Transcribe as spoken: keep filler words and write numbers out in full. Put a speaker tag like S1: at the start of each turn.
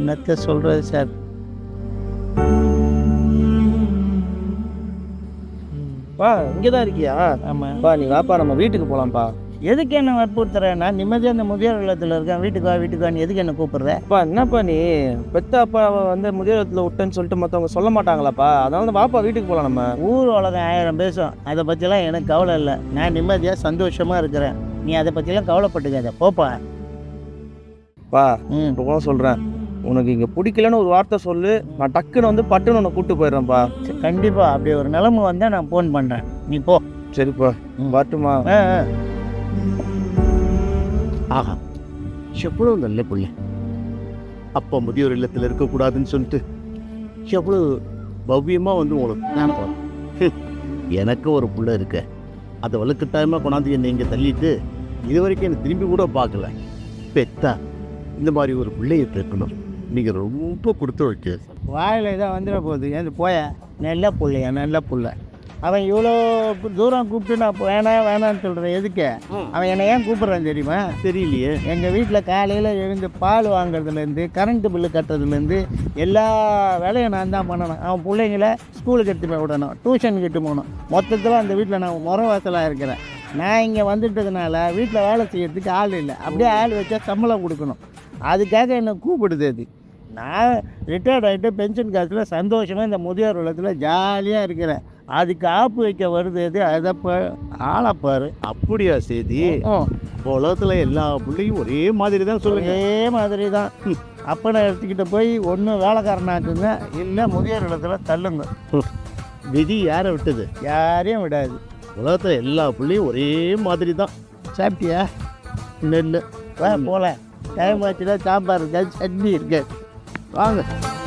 S1: என்னத்தை சொல்கிறது சார்.
S2: பா இங்கே தான் இருக்கியா?
S1: ஆமாம்.
S2: பா நீ வாப்பா நம்ம வீட்டுக்கு போகலாம்ப்பா.
S1: எதுக்கு என்ன வற்புறுத்துறேன்? நான் நிம்மதியாக அந்த முதியோர் இல்லத்தில் இருக்கேன். வீட்டுக்கு வா வீட்டுக்கு வான்னு எதுக்கு என்ன கூப்பிட்ற?
S2: அப்பா என்னப்பா நீ பெத்த அப்பாவை வந்து முதியோர் இல்லத்தில் விட்டேன்னு சொல்லிட்டு மற்றவங்க சொல்ல மாட்டாங்களாப்பா? அதனால வாப்பா வீட்டுக்கு போகலாம் நம்ம.
S1: ஊர் உலகம் ஆயிரம் பேசும், அதை பற்றிலாம் எனக்கு கவலை இல்லை. நான் நிம்மதியாக சந்தோஷமாக இருக்கிறேன். நீ அதை பற்றிலாம் கவலைப்பட்டுக்காத, போப்பா.
S2: பா
S1: ம்
S2: இப்போ கூட சொல்கிறேன், உனக்கு இங்கே பிடிக்கலன்னு ஒரு வார்த்தை சொல்லு, நான் டக்குன்னு வந்து பட்டுன்னு உன்னை கூப்பிட்டு போயிடுறேன்ப்பா.
S1: கண்டிப்பாக அப்படி ஒரு நிலைமை வந்தால் நான் ஃபோன் பண்ணுறேன், நீ போ.
S2: சரிப்பா வரட்டுமா?
S1: ஆ ஆ.
S3: ஆஹா, எவ்வளோ நல்ல பிள்ளை. அப்பா முதியோர் இல்லத்தில் இருக்கக்கூடாதுன்னு சொல்லிட்டு எவ்வளோ பவ்யமாக வந்து உனக்கு நான் எனக்கு ஒரு பிள்ளை இருக்க, அதை வலுக்கட்டாயமாக கொண்டாந்து என்னை இங்கே தள்ளிட்டு இது வரைக்கும் என்னை திரும்பி கூட பார்க்கல. பெத்தா இந்த மாதிரி ஒரு பிள்ளையை பெற்கணும். நீங்கள் ரொம்ப கொடுத்து வைக்க.
S1: வாயில் இதான் வந்துட போகுது, ஏன் போய. நல்ல பிள்ளையா, நல்ல பிள்ளை. அவன் இவ்வளோ தூரம் கூப்பிட்டு நான் வேணாம் வேணான்னு சொல்கிறேன். எதுக்கு அவன் என்னை ஏன் கூப்பிட்றான் தெரியுமா?
S3: தெரியலையே.
S1: எங்கள் வீட்டில் காலையில் எழுந்து பால் வாங்குறதுலேருந்து கரண்ட்டு பில்லு கட்டுறதுலேருந்து எல்லா வேலையும் நான் தான் பண்ணணும். அவன் பிள்ளைங்கள ஸ்கூலுக்கு எடுத்து போய் விடணும், டியூஷனுக்கு எட்டு போகணும். மொத்தத்தில் அந்த வீட்டில் நான் முறை வாசலாக இருக்கிறேன். நான் இங்கே வந்துட்டதுனால வீட்டில் வேலை செய்யறதுக்கு ஆள் இல்லை. அப்படியே ஆள் வச்சா சம்பளம் கொடுக்கணும். அதுக்காக என்னை கூப்பிடுது. அது நான் ரிட்டையர்ட் ஆகிட்டு பென்ஷன் காசில் சந்தோஷமாக இந்த முதியோர் இல்லத்தில் ஜாலியாக இருக்கிறேன். அதுக்கு ஆப்பு வைக்க வருது எது? அதை இப்போ ஆளப்பாரு.
S3: அப்படியா செய்தி? உலகத்தில் எல்லா பிள்ளையும் ஒரே மாதிரி தான் சொல்லுங்க.
S1: ஒரே மாதிரி தான். அப்பனை எடுத்துக்கிட்டு போய் ஒன்று வேலைக்காரனாக்குங்க, இல்லை முதியோர் இல்லத்துல தள்ளுங்க.
S3: விதி யாரை விட்டது?
S1: யாரையும் விடாது.
S3: உலகத்தில் எல்லா பிள்ளையும் ஒரே மாதிரி தான்.
S1: சாப்பிட்டியா? நெல் வா போகல. டைம் ஆச்சுன்னா சாம்பார் இருக்காது, சட்னி இருக்காது.
S3: வாங்க.